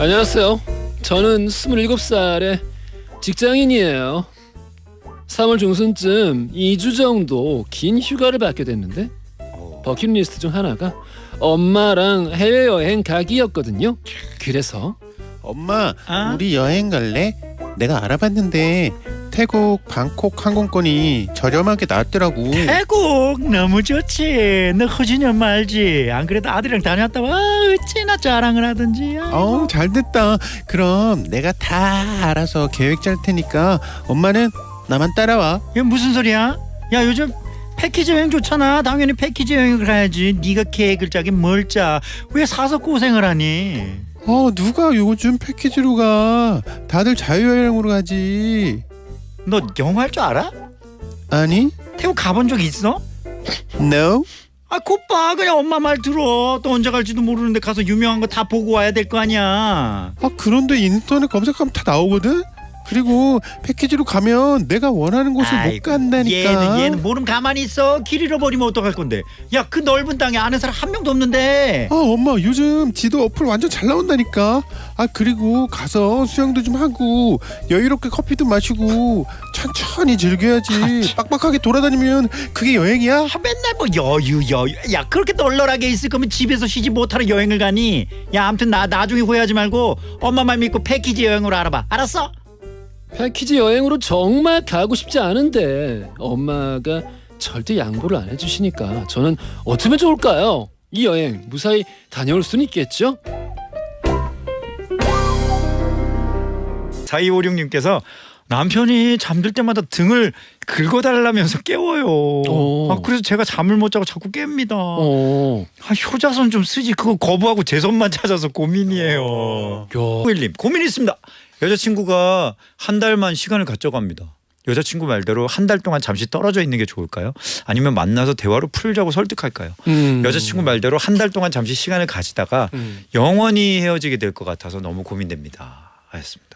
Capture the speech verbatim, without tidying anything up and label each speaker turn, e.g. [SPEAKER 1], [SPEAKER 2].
[SPEAKER 1] 안녕하세요. 저는 스물일곱 살의 직장인이에요. 삼월 중순쯤 이 주 정도 긴 휴가를 받게 됐는데 버킷리스트 중 하나가 엄마랑 해외여행 가기였거든요. 그래서
[SPEAKER 2] 엄마,
[SPEAKER 3] 어?
[SPEAKER 2] 우리 여행 갈래? 내가 알아봤는데 태국 방콕 항공권이 저렴하게 나왔더라고.
[SPEAKER 3] 태국 너무 좋지. 너 허준이 엄마 알지? 안 그래도 아들이랑 다녀왔다. 와 어찌나 자랑을 하든지.
[SPEAKER 2] 어, 잘됐다. 그럼 내가 다 알아서 계획 짤 테니까 엄마는 나만 따라와.
[SPEAKER 3] 이게 무슨 소리야? 야 요즘 패키지 여행 좋잖아. 당연히 패키지 여행을 가야지. 네가 계획을 짜긴 뭘 짜. 왜 사서 고생을 하니?
[SPEAKER 2] 어, 누가 요즘 패키지로 가? 다들 자유여행으로 가지.
[SPEAKER 3] 너 영어 할 줄 알아?
[SPEAKER 2] 아니?
[SPEAKER 3] 태국 가본 적 있어?
[SPEAKER 2] No?
[SPEAKER 3] 아 곧봐 그냥 엄마 말 들어. 또 언제 갈지도 모르는데 가서 유명한 거 다 보고 와야 될 거 아니야.
[SPEAKER 2] 아, 그런데 인터넷 검색하면 다 나오거든? 그리고 패키지로 가면 내가 원하는 곳을 못
[SPEAKER 3] 아이고,
[SPEAKER 2] 간다니까.
[SPEAKER 3] 얘는 얘는 모름 가만히 있어. 길 잃어버리면 어떡할 건데. 야 그 넓은 땅에 아는 사람 한 명도 없는데.
[SPEAKER 2] 아, 엄마 요즘 지도 어플 완전 잘 나온다니까. 아, 그리고 가서 수영도 좀 하고 여유롭게 커피도 마시고 천천히 즐겨야지. 빡빡하게 돌아다니면 그게 여행이야?
[SPEAKER 3] 아, 맨날 뭐 여유 여유. 야 그렇게 널널하게 있을 거면 집에서 쉬지 못하러 여행을 가니. 야 아무튼 나 나중에 후회하지 말고 엄마 말 믿고 패키지 여행으로 알아봐. 알았어?
[SPEAKER 1] 패키지 여행으로 정말 가고 싶지 않은데 엄마가 절대 양보를 안 해주시니까 저는 어쩌면 좋을까요? 이 여행 무사히 다녀올 수는 있겠죠?
[SPEAKER 3] 사이오육님께서 남편이 잠들 때마다 등을 긁어달라면서 깨워요.
[SPEAKER 1] 오.
[SPEAKER 3] 아, 그래서 제가 잠을 못 자고 자꾸 깹니다.
[SPEAKER 1] 어.
[SPEAKER 3] 아, 효자손 좀 쓰지. 그거 거부하고 제 손만 찾아서 고민이에요.
[SPEAKER 1] 야.
[SPEAKER 3] 오일님 고민이 있습니다. 여자친구가 한 달만 시간을 가져갑니다. 여자친구 말대로 한 달 동안 잠시 떨어져 있는 게 좋을까요? 아니면 만나서 대화로 풀자고 설득할까요?
[SPEAKER 1] 음.
[SPEAKER 3] 여자친구 말대로 한 달 동안 잠시 시간을 가지다가
[SPEAKER 1] 음.
[SPEAKER 3] 영원히 헤어지게 될 것 같아서 너무 고민됩니다. 하였습니다.